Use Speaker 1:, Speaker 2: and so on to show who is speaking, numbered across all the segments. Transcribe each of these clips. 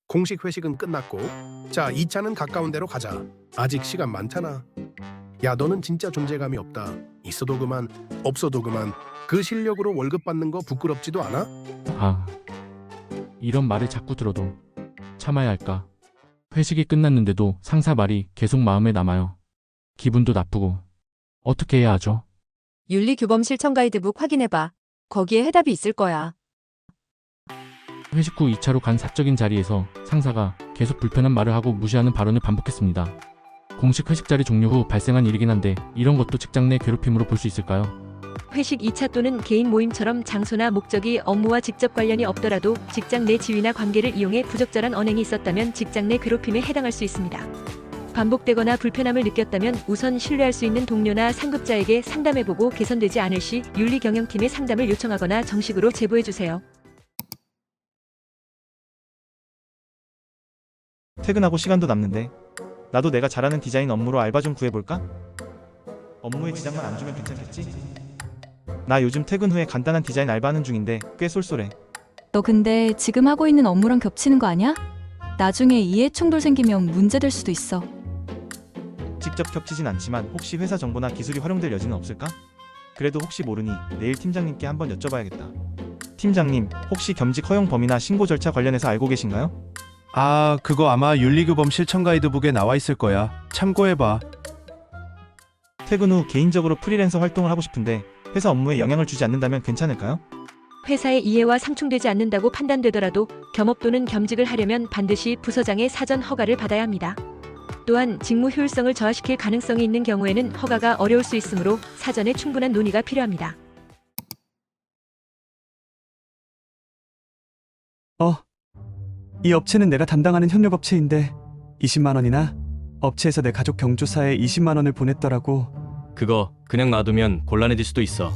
Speaker 1: 공식 회식은 끝났고, 자, 2차는 가까운 데로 가자. 아직 시간 많잖아. 야, 너는 진짜 존재감이 없다. 있어도 그만, 없어도 그만. 그 실력으로 월급 받는 거 부끄럽지도 않아?
Speaker 2: 아, 이런 말을 자꾸 들어도 참아야 할까? 회식이 끝났는데도 상사 말이 계속 마음에 남아요. 기분도 나쁘고. 어떻게 해야 하죠?
Speaker 3: 윤리규범 실천 가이드북 확인해봐. 거기에 해답이 있을 거야.
Speaker 2: 회식 후 2차로 간 사적인 자리에서 상사가 계속 불편한 말을 하고 무시하는 발언을 반복했습니다. 공식 회식 자리 종료 후 발생한 일이긴 한데 이런 것도 직장 내 괴롭힘으로 볼 수 있을까요?
Speaker 3: 회식 2차 또는 개인 모임처럼 장소나 목적이 업무와 직접 관련이 없더라도 직장 내 지위나 관계를 이용해 부적절한 언행이 있었다면 직장 내 괴롭힘에 해당할 수 있습니다. 반복되거나 불편함을 느꼈다면 우선 신뢰할 수 있는 동료나 상급자에게 상담해보고 개선되지 않을 시 윤리경영팀에 상담을 요청하거나 정식으로 제보해주세요.
Speaker 4: 퇴근하고 시간도 남는데 나도 내가 잘하는 디자인 업무로 알바 좀 구해볼까? 업무에 지장만 안 주면 괜찮겠지? 나 요즘 퇴근 후에 간단한 디자인 알바하는 중인데 꽤 쏠쏠해.
Speaker 5: 너 근데 지금 하고 있는 업무랑 겹치는 거 아니야? 나중에 이해 충돌 생기면 문제될 수도 있어.
Speaker 4: 직접 겹치진 않지만 혹시 회사 정보나 기술이 활용될 여지는 없을까? 그래도 혹시 모르니 내일 팀장님께 한번 여쭤봐야겠다. 팀장님, 혹시 겸직 허용 범위나 신고 절차 관련해서 알고 계신가요?
Speaker 6: 아, 그거 아마 윤리규범 실천 가이드북에 나와 있을 거야. 참고해봐.
Speaker 4: 퇴근 후 개인적으로 프리랜서 활동을 하고 싶은데 회사 업무에 영향을 주지 않는다면 괜찮을까요?
Speaker 3: 회사의 이해와 상충되지 않는다고 판단되더라도 겸업 또는 겸직을 하려면 반드시 부서장의 사전 허가를 받아야 합니다. 또한 직무 효율성을 저하시킬 가능성이 있는 경우에는 허가가 어려울 수 있으므로 사전에 충분한 논의가 필요합니다.
Speaker 7: 이 업체는 내가 담당하는 협력업체인데 20만 원이나? 업체에서 내 가족 경조사에 20만 원을 보냈더라고.
Speaker 8: 그거 그냥 놔두면 곤란해질 수도 있어.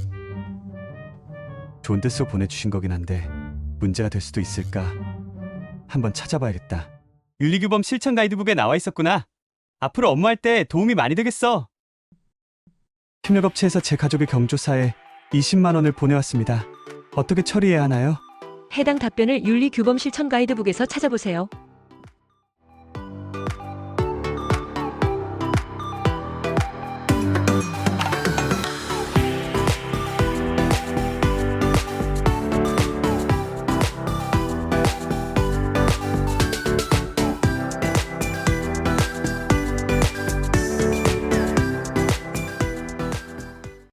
Speaker 7: 좋은 뜻으로 보내주신 거긴 한데 문제가 될 수도 있을까? 한번 찾아봐야겠다. 윤리규범 실천 가이드북에 나와 있었구나. 앞으로 업무할 때 도움이 많이 되겠어. 협력업체에서 제 가족의 경조사에 20만 원을 보내왔습니다. 어떻게 처리해야 하나요?
Speaker 3: 해당 답변을 윤리규범 실천 가이드북에서 찾아보세요.